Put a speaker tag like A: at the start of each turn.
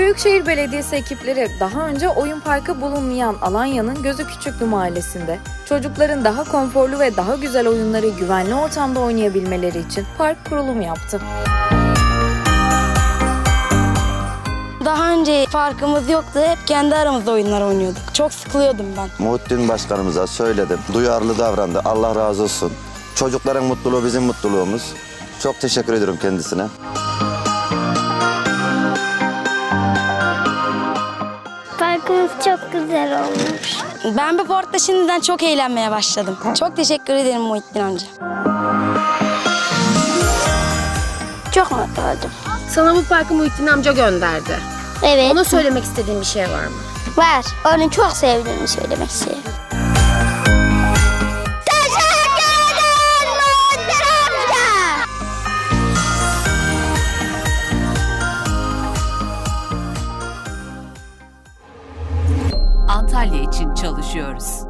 A: Büyükşehir Belediyesi ekipleri daha önce oyun parkı bulunmayan Alanya'nın Gözüküçüklü mahallesinde çocukların daha konforlu ve daha güzel oyunları güvenli ortamda oynayabilmeleri için park kurulumu yaptı.
B: Daha önce farkımız yoktu. Hep kendi aramızda oyunlar oynuyorduk. Çok sıkılıyordum ben.
C: Muhittin Başkanımıza söyledim. Duyarlı davrandı. Allah razı olsun. Çocukların mutluluğu bizim mutluluğumuz. Çok teşekkür ediyorum kendisine.
D: Parkımız çok güzel olmuş.
B: Ben bu parkta şimdiden çok eğlenmeye başladım. Çok teşekkür ederim Muhittin amca.
D: Çok mutlu oldum.
E: Sana bu parkı Muhittin amca gönderdi.
D: Evet.
E: Ona söylemek istediğin bir şey var mı?
D: Var. Onu çok sevdiğimi söylemek istiyorum. Teşekkür ederim Muhittin amca.
F: Antalya için çalışıyoruz.